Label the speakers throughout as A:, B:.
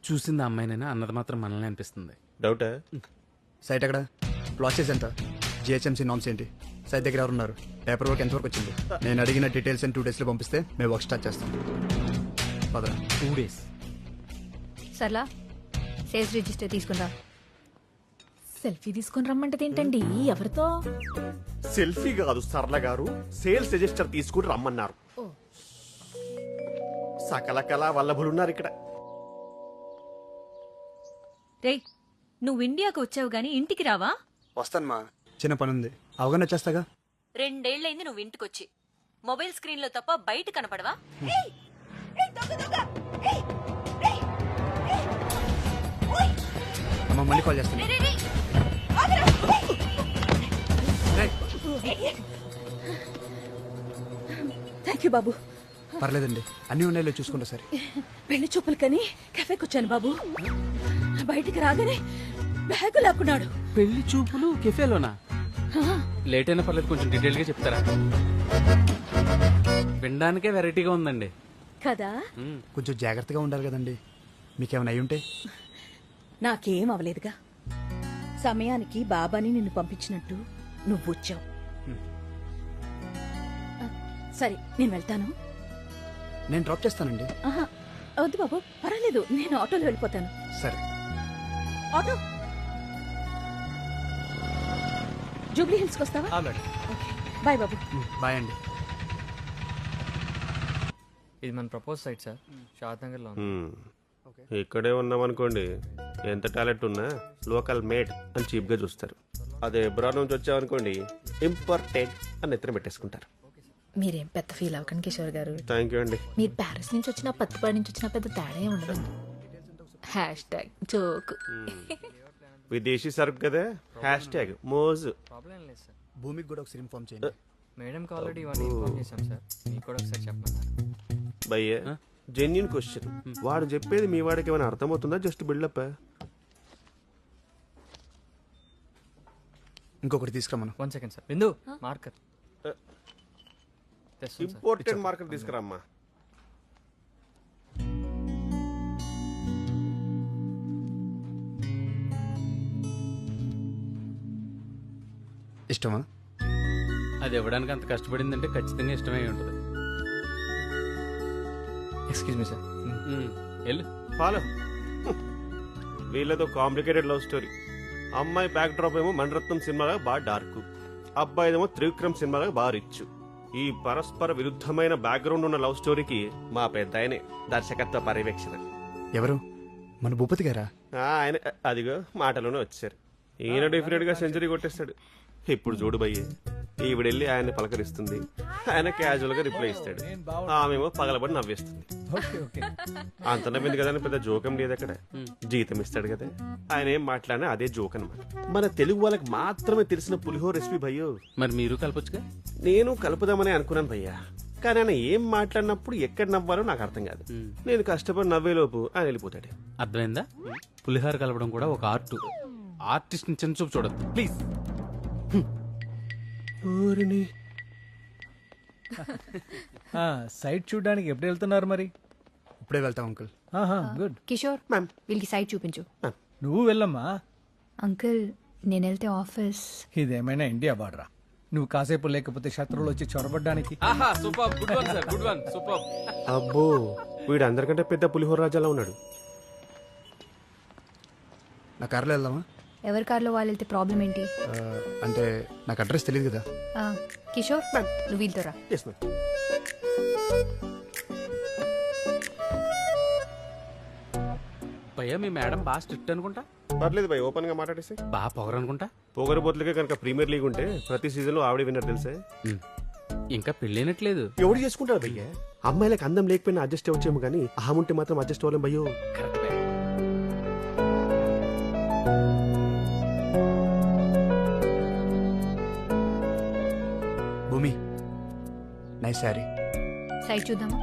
A: చూసింది ఆ అమ్మాయినైనా అన్నది మాత్రం మనల్ని అనిపిస్తుంది.
B: డౌటా?
C: సైట్ ఎక్కడ? ప్రాసెస్ ఎంత? జిహెచ్ఎంసీ నామ్స్ ఏంటి? సైట్ దగ్గర ఎవరు ఉన్నారు? పేపర్ వర్క్ ఎంతవరకు వచ్చింది? నేను అడిగిన డీటెయిల్స్ 2 daysలో పంపిస్తే మేము వర్క్ స్టార్ట్ చేస్తాం. పదరా.
A: 2 days.
D: సర్లా సేల్స్ రిజిస్టర్ తీసుకుందా.
E: సెల్ఫీ తీసుకుని రమ్మంటది ఏంటండి? ఎవరితో?
B: సెల్ఫీ కాదు సరళ గారు, సేల్స్ రిజిస్టర్ తీసుకుని రమ్మన్నారు. సకల కళా వల్లభులున్నారు ఇక్కడ.
F: రేయ్, నువ్వు ఇండియాకు వచ్చావు గాని ఇంటికి రావా?
C: వస్తాను మా, చిన్న పని ఉంది, అవగాహన చేస్తాగా.
F: 2 ఏళ్లైంది నువ్వు ఇంటికొచ్చి. మొబైల్ స్క్రీన్ లో తప్ప బయట కనపడవా?
C: అమ్మ మళ్ళీ కాల్ చేస్తాను.
E: థ్యాంక్ యూ బాబు.
C: పర్లేదండి, అన్ని ఉన్నాయో చూసుకుంటా సరే.
E: పెళ్లి చూపులు కని కెఫేకి వచ్చాను బాబు. బయటికి రాగానే బ్యాగు లాక్కున్నాడు.
A: పెళ్లి చూపులు కెఫేలోనా? లేట్ అయినా పర్లేదు, కొంచెం డీటెయిల్ గా చెప్తారా? వినడానికే వెరైటీగా ఉందండి
E: కదా.
C: కొంచెం జాగ్రత్తగా ఉండాలి కదండి, మీకేమైనా అయి ఉంటే.
E: నాకేం అవలేదుగా. సమయానికి బాబాని నిన్ను పంపించినట్టు నువ్వు వచ్చావు. సరే నేను వెళ్తాను.
C: నేను డ్రాప్ చేస్తానండి.
E: ఆహా, వద్దు బాబు, పర్వాలేదు, నేను ఆటోలో వెళ్ళిపోతాను.
C: సరే.
E: ఆటో జూబ్లీ హిల్స్కి వస్తావా? బాయ్ బాబు.
C: బాయ్ అండి.
G: ఇది మన propose site sir, Shad Nagar లో.
B: ఇక్కడే ఉన్నామనుకోండి, ఎంత టాలెంట్ ఉన్నా లోకల్ మేడ్ అని చీప్ గా చూస్తారు. అదే ఎబ్రాడ్ నుంచి వచ్చామనుకోండి, ఇంపార్టెంట్ అని ఎత్తున పెట్టేసుకుంటారు.
E: మీరేం పెద్ద ఫీల్ అవ్వకండి కిషోర్ గారు.
B: థ్యాంక్ యూ అండి.
E: మీరు ప్యారిస్ నుంచి వచ్చినా పత్తిపాడి నుంచి వచ్చినా పెద్ద తేడా ఏం ఉండదు. #జోక్.
B: విదేశీ సరుకు కదా, #మోజు.
G: ప్రాబ్లం లేదు సార్.
C: భూమికి కూడా ఒకసారి ఇన్ఫార్మ్ చేయండి.
G: మేడంకి ఆల్రెడీ ఇవన్నీ ఇన్ఫార్మ్ చేశాం సార్, మీకు కూడా ఒకసారి చెప్పమన్నారు.
B: భయ్య, జెన్యున్ క్వశ్చన్. వాడు చెప్పేది మీ వాడికి ఏమైనా అర్థమవుతుందా? Just buildup.
C: ఇంకొకటి తీసుకురమ్మను.
G: 1 second sir. Bindu marker
B: important market తీసుకురామ్మా.
C: ఇష్టమా?
A: అది ఇవ్వడానికి అంత కష్టపడిందంటే ఖచ్చితంగా ఇష్టమై ఉంటుంది.
G: Excuse me sir.
A: వెళ్ళు.
B: ఫాలో. వీళ్ళతో కాంప్లికేటెడ్ లవ్ స్టోరీ. అమ్మాయి బ్యాక్ డ్రాప్ ఏమో మణరత్నం సినిమాగా బాగా డార్క్, అబ్బాయిదేమో త్రివిక్రమ్ సినిమాగా బాగా రిచ్. ఈ పరస్పర విరుద్ధమైన బ్యాక్గ్రౌండ్ ఉన్న లవ్ స్టోరీకి మా పెద్ద ఆయనే దర్శకత్వ పర్యవేక్షణ.
C: ఎవరు? మన భూపతి గారా?
B: ఆయన అదిగో మాటలోనే వచ్చారు. ఈయన డెఫినెట్ గా సెంచరీ కొట్టేస్తాడు. ఇప్పుడు చూడు భయ్య, ఈవిడెళ్ళి ఆయన్ని పలకరిస్తుంది, ఆయన క్యాజువల్ గా రిప్లై ఇస్తాడు, ఆమెమో పగలబడి నవ్వేస్తుంది. అంత నవ్వింది కదా అని పెద్ద జోకం లేదు అక్కడ. జీతం ఇస్తాడు కదా, ఆయన ఏం మాట్లాడినా అదే జోక్ అనమాట. మన తెలుగు వాళ్ళకి మాత్రమే తెలిసిన పులిహోర రెసిపీ భయ్యో.
A: మరి మీరు కలపొచ్చుగా.
B: నేను కలుపుదామని అనుకున్నాను భయ్యా, కానీ ఆయన ఏం మాట్లాడినప్పుడు ఎక్కడ నవ్వాలో నాకు అర్థం కాదు. నేను కష్టపడి నవ్వేలోపు ఆయన వెళ్ళిపోతాడు.
A: అర్థమైందా? పులిహార కలపడం కూడా ఒక ఆర్ట్. ఆర్టిస్ట్ ని చిన్న చూపు చూడద్దు ప్లీజ్.
H: సైట్ చూడడానికి ఎప్పుడు వెళ్తున్నారు మరి?
C: ఇప్పుడే వెళ్తాం అంకుల్.
H: గుడ్.
D: కిషోర్, వీళ్ళకి సైట్ చూపించు.
H: నువ్వు వెళ్ళమ్మా.
D: అంకుల్, నేను వెళ్తే ఆఫీస్.
H: ఇదేమైనా ఇండియా బార్డరా? నువ్వు కాసేపు లేకపోతే శత్రువులు వచ్చి చొరబడ్డానికి.
A: Super, good one sir, good one, super.
B: అబ్బో, వీడు అందరికంటే పెద్ద పులిహోర రాజాలా ఉన్నాడు.
C: నా కార్లో వెళ్దామా?
D: ఎవరి కార్లో వాళ్ళు వెళ్తే ప్రాబ్లం ఏంటి?
C: అంటే నాకు అడ్రస్ తెలియదు కదా.
D: కిషోర్, నువ్వు వీళ్ళతో రా.
B: Yes, ma'am.
A: భయ్యా, మీ మేడం బాగా స్ట్రిక్ట్ అనుకుంటా.
B: పర్లేదు భయ్, ఓపెన్ గా మాట్లాడేసి.
A: బాగా పొగరు అనుకుంటా.
B: పొగరబోతులకే కనుక ప్రీమియర్ లీగ్ ఉంటే ప్రతి సీజన్ లో ఆవిడ విన్నర్ తెలుసే.
A: ఇంకా పెళ్ళైనట్లేదు.
B: ఎవడు చేసుకుంటారు భయ్య? అమ్మాయిలకు అందం లేకపోయినా అడ్జస్ట్ అవ్వచ్చేమో కానీ అహం ఉంటే మాత్రం అడ్జస్ట్ అవ్వలేం భయ్యో.
A: Correct.
C: Bhumi, nice sari.
D: Site చూద్దామా?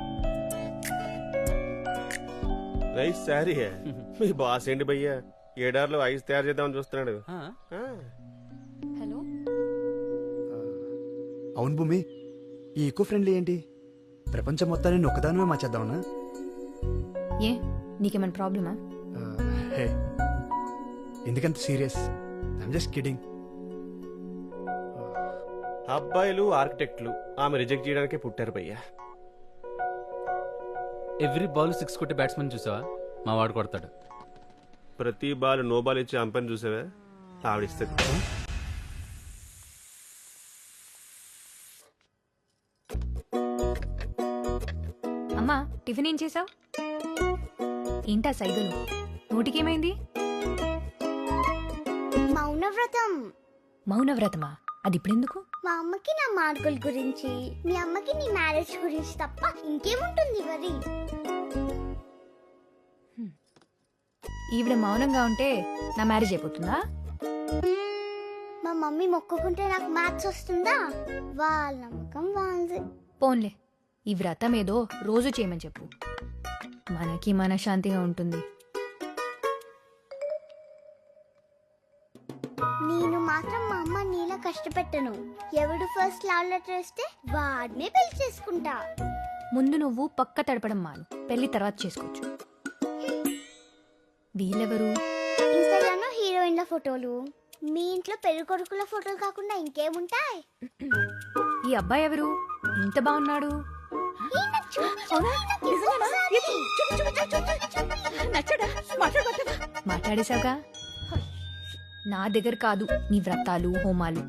B: Nice sari. మీ బాస్ ఏంటి భయ్య, ఏడార్లో ఐస్ తయారు చేద్దామని చూస్తున్నాడు.
D: హలో.
C: అవును భూమి, ఈ ఈకో ఫ్రెండ్లీ ఏంటి? ప్రపంచం మొత్తాన్ని ఒక్కదానమే మార్చేద్దామన్నా?
D: ఏ, నీకేమైనా ప్రాబ్లమా?
C: హే ఎందుకంత సీరియస్? I'm just kidding.
B: అబ్బాయిలు ఆర్కిటెక్ట్లు ఆమె రిజెక్ట్ చేయడానికే పుట్టారు భయ్యా.
A: ఎవ్రీ బాల్ 6 కొట్టే బ్యాట్స్మెన్ చూసావా? మా వాడు కొడతాడు.
B: ప్రతి బాల్ నో బాల్ ఇచ్చే అంపని చూసావా? ఆవిడిస్తుంది.
D: అమ్మా టిఫిన్ ఏం చేసావు? ఏంటా సైగలు? నోటికేమైంది?
I: మౌనవ్రతం.
D: మౌనవ్రతమా? అది ఇప్పుడెందుకు?
I: మా అమ్మకి నా మార్కుల గురించి, మీ అమ్మకి నీ మ్యారేజ్ గురించి తప్ప ఇంకేముంటుంది వరి.
D: ఈవిడ మౌనంగా ఉంటే నా మ్యారేజ్ అయిపోతుందా?
I: మా మమ్మీ మొక్కుకుంటే నాకు మ్యాథ్స్ వస్తుందా? వాళ్ళ నమ్మకం వాళ్ళది.
D: పోన్లే, ఈ వ్రతం ఏదో రోజు చేయమని చెప్పు, మనకి మనశ్శాంతిగా ఉంటుంది.
I: నేను మాత్రం మా అమ్మ నీలా కష్టపెట్టను. ఎవడు ఫస్ట్ లవ్ లెటర్ వస్తే వాడినే పెళ్లి చేసుకుంటా.
D: ముందు నువ్వు పక్క తడపడం మాను, పెళ్లి తర్వాత చేసుకోవచ్చు. వీళ్ళెవరు?
I: ఇన్స్టాగ్రామ్ లో హీరోయిన్ల ఫోటోలు, మీ ఇంట్లో పెళ్లి కొడుకుల ఫోటోలు కాకుండా ఇంకేముంటాయి?
D: ఈ అబ్బాయి ఎవరు? ఇంత బాగున్నాడు.
E: నచ్చడా? మాట్లాడబోతావా?
D: మాట్లాడేశావుగా. నా దగ్గర కాదు నీ వ్రతాలు హోమాలు.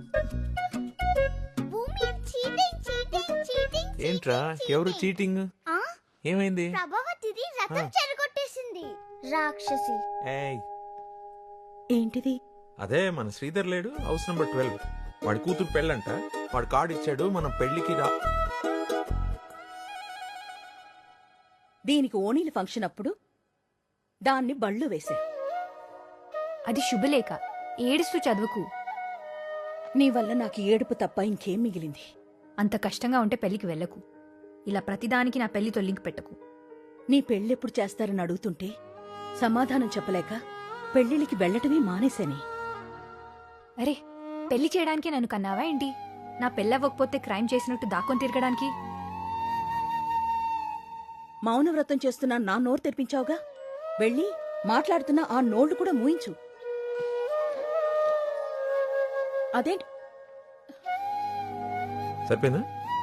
I: భూమి చీటింగ్ చీటింగ్ చీటింగ్.
J: ఏంట్రా ఎవరు చీటింగ్?
I: ఆ?
J: ఏమైంది?
I: ప్రభావతిది రథం చెరగొట్టేసింది రాక్షసి.
J: ఏయ్
E: ఏంటిది?
J: అదే మన శ్రీధర్ లేడు, హౌస్ నెంబర్ 12. వాడి కూతురు పెళ్ళంట. వాడు కార్డు ఇచ్చాడు, మనం పెళ్లికి రా.
E: దీనికి ఓణీల ఫంక్షన్ అప్పుడు దాన్ని బళ్ళు వేసా.
D: అది శుభలేఖ, ఏడుస్తూ చదువుకు.
E: నీ వల్ల నాకు ఏడుపు తప్ప ఇంకేం మిగిలింది?
D: అంత కష్టంగా ఉంటే పెళ్లికి వెళ్ళకు. ఇలా ప్రతిదానికి నా పెళ్లితో లింక్ పెట్టకు.
E: నీ పెళ్ళెప్పుడు చేస్తారని అడుగుతుంటే సమాధానం చెప్పలేక పెళ్లిళ్ళకి వెళ్లటమే మానేశాని.
D: అరే, పెళ్లి చేయడానికి నన్ను కన్నావా ఏంటి? నా పెళ్ళవ్వకపోతే క్రైమ్ చేసినట్టు దాక్కొని తిరగడానికి?
E: మౌనవ్రతం చేస్తున్నా నా నోరు తెరిపించావుగా. వెళ్ళి మాట్లాడుతున్న ఆ నోళ్లు కూడా మూయించు. అదేంటి?
J: సరిపోయిందా?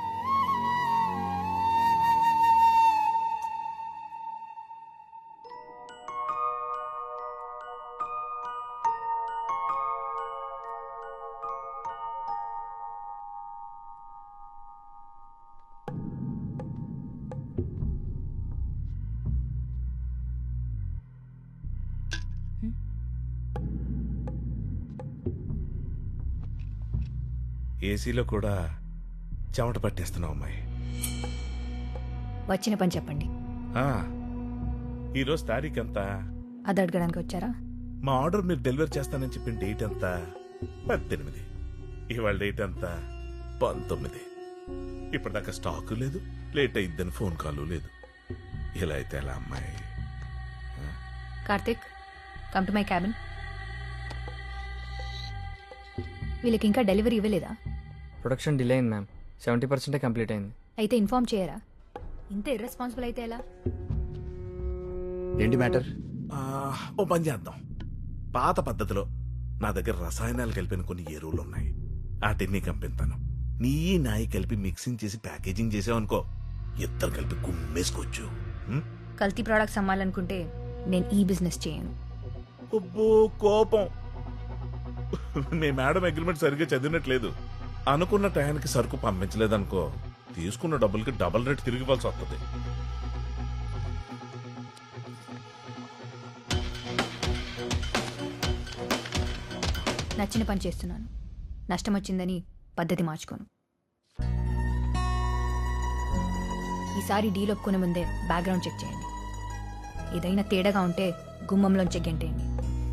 K: ఏసీలో కూడా చెమట పట్టేస్తున్నావు అమ్మాయి.
D: వచ్చిన పని చెప్పండి.
K: ఈరోజు తారీఖు ఎంత?
D: అది అడగడానికి వచ్చారా?
K: మా ఆర్డర్ మీరు డెలివరీ చేస్తానని చెప్పిన డేట్ ఎంత? 18. ఇవాళ డేట్ ఎంత? 19. ఇప్పటిదాకా స్టాక్ లేదు, లేట్ అయిద్దని ఫోన్ కాల్ లేదు. ఇలా అయితే ఎలా అమ్మాయి?
D: Karthik, come to my cabin. వీళ్ళకి ఇంకా డెలివరీ ఇవ్వలేదా?
G: ప్రొడక్షన్ డిలే అయింది మ్యామ్. 70% కంప్లీట్ అయింది.
D: అయితే ఇన్ఫార్మ్ చేయరా? ఇంత ఇర్రెస్పాన్సిబుల్ అయితే ఎలా?
C: ఏంటి మ్యాటర్?
K: ఓ పని చేద్దాం. పాత పద్ధతిలో నా దగ్గర రసాయనాలు కలిపిన కొన్ని ఎరువులు ఉన్నాయి. వాటిని కంపిస్తాను. నీ నాయి కలిపి మిక్సింగ్ చేసి ప్యాకేజింగ్ చేసావనుకో, ఇద్దరు కలిపి కుమ్మేసుకోవచ్చు.
D: కల్తీ ప్రోడక్ట్స్ అమ్మాలనుకుంటే నేను ఈ బిజినెస్ చేయను.
K: అబ్బో కోపం. మీ మేడం అగ్రిమెంట్ సరిగ్గా చదివినట్లేదు. అనుకున్న టయానికి సరుకు పంపించలేదనుకో, తీసుకున్న డబ్బులకి డబుల్ రేట్ తిరిగి ఇవ్వాల్సి వస్తుంది.
D: నచ్చిన పని చేస్తున్నాను. నష్టం వచ్చిందని పద్ధతి మార్చుకోను. ఈసారి డీల్ ఒప్పుకునే ముందే బ్యాక్గ్రౌండ్ చెక్ చేయండి. ఏదైనా తేడాగా ఉంటే గుమ్మంలోంచి గెంటేయండి.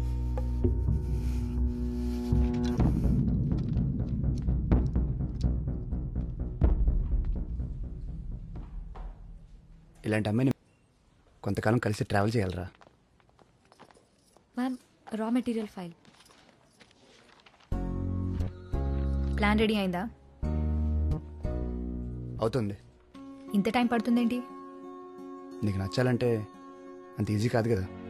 C: ఇలాంటి అమ్మాయిని కొంతకాలం కలిసి ట్రావెల్ చేయాలరా.
D: Ma'am, raw material file. Plan ready అయిందా?
C: అవుతుంది.
D: ఇంత టైం పడుతుందేంటి?
C: నీకు నచ్చాలంటే అంత ఈజీ కాదు కదా.